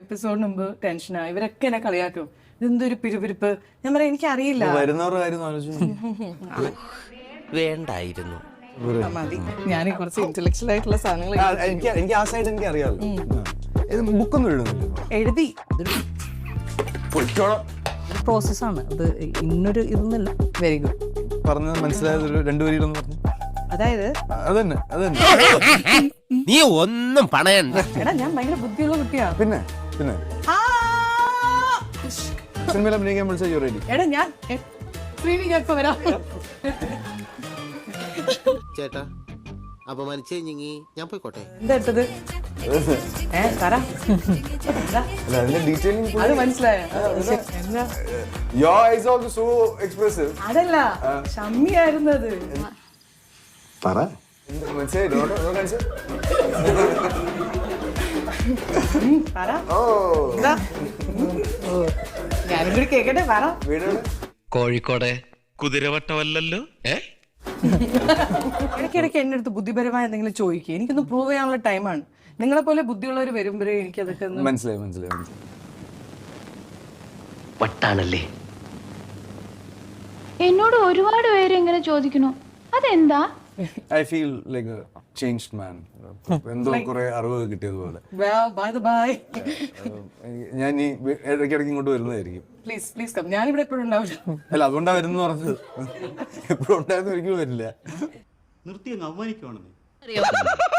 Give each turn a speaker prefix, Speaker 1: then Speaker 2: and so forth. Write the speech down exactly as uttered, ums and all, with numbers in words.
Speaker 1: എപ്പിസോഡിന് മുമ്പ് ടെൻഷനാ. ഇവരൊക്കെ എന്നെ കളിയാക്കും, ഇതെന്തൊരു പിരിപിരിപ്പ്. ഞാൻ പറയാം എനിക്കറിയില്ല.
Speaker 2: വരുന്നവരുടെ കാര്യം ആലോചിച്ചു
Speaker 3: വേണ്ടായിരുന്നു.
Speaker 1: മതി, ഞാൻ കുറച്ച് ഇന്റലക്ച്വൽ ആയിട്ടുള്ള സാധനങ്ങൾ
Speaker 2: എനിക്ക് എനിക്ക് ആ സൈഡ് എനിക്ക് അറിയാമല്ലോ. ഇത് ബുക്കൊന്നും എഴുതുന്നില്ല,
Speaker 1: എഴുതി.
Speaker 4: പ്രോസസ്സാണ് അത്, ഇന്നൊരു ഇതൊന്നുമില്ല.
Speaker 1: Very good.
Speaker 2: പറഞ്ഞത് മനസ്സിലായത് ഒരു രണ്ടു പേരിലൊന്ന് പറഞ്ഞു.
Speaker 1: അതായത്
Speaker 2: അതന്നെ അതന്നെ
Speaker 3: നീ ഒന്നും പണയണ്ട.
Speaker 1: എടാ ഞാൻ ഭയങ്കര ബുദ്ധിയുള്ള കുട്ടിയാ.
Speaker 2: പിന്നെ പിന്നെ
Speaker 1: ആ!
Speaker 2: സിനിമയിൽ അഭിനയിക്കാൻ വിളിച്ചാൽ റെഡി.
Speaker 1: എടാ ഞാൻ ശ്രീനി ഞാൻ ഇപ്പൊ വരാം.
Speaker 3: ചേട്ടാ അപമാനിച്ചു കഴിഞ്ഞെങ്കി ഞാൻ പോയിക്കോട്ടെ.
Speaker 1: എന്താ ഇട്ടത്? ഏ പറ. എന്താ?
Speaker 2: അല്ല അതിന്റെ ഡീറ്റെയിലിംഗ്
Speaker 1: അത് മനസ്സിലായോ? എന്താ?
Speaker 2: Your eyes are also so expressive.
Speaker 1: അതല്ല, ഷമ്മിയായിരുന്നു അത്.
Speaker 2: പറ. മനസ്സിലായി? ഡോ ഡോ കാണിച്ചു.
Speaker 1: പറ.
Speaker 2: ഓ.
Speaker 1: എന്താ? ഞാനും കൂടി കേക്കട്ടെ, പറ.
Speaker 2: വീട്
Speaker 5: കോഴിക്കോടെ കുതിരവട്ടമല്ലല്ലോ. ഏ
Speaker 1: ഇടയ്ക്കിടയ്ക്ക് എന്റെ അടുത്ത് ബുദ്ധിപരമായ എന്തെങ്കിലും ചോദിക്കുക. എനിക്കൊന്ന് പ്രൂവ് ചെയ്യാനുള്ള ടൈമാണ്. നിങ്ങളെ പോലെ ബുദ്ധിയുള്ളവർ വരുമ്പോഴേ എനിക്ക് അതൊക്കെ ഒന്ന്
Speaker 2: മനസ്സിലായി മനസ്സിലായി മനസ്സിലായി.
Speaker 5: വട്ടാണല്ലേ.
Speaker 6: എന്നോട് ഒരുപാട് പേര് ഇങ്ങനെ ചോദിക്കണു, അതെന്താ?
Speaker 2: I feel like a changed man. എന്തോ കുറെ അറിവ് കിട്ടിയതുപോലെ.
Speaker 1: Bye bye.
Speaker 2: ഞാൻ ഈ ഇടയ്ക്കിടയ്ക്ക് ഇങ്ങോട്ട് വരുന്നതായിരിക്കും.
Speaker 1: Please please come. ഞാനിവിടെ എപ്പോഴും ഉണ്ടാവില്ല.
Speaker 2: അല്ല അതുകൊണ്ടാ വരുന്നു പറഞ്ഞത്. എപ്പോഴും ഉണ്ടായിരുന്നു ഒരിക്കലും വരില്ല.
Speaker 7: നിർത്തി അങ്ങ് അവമാനിക്കുവാണെന്ന്.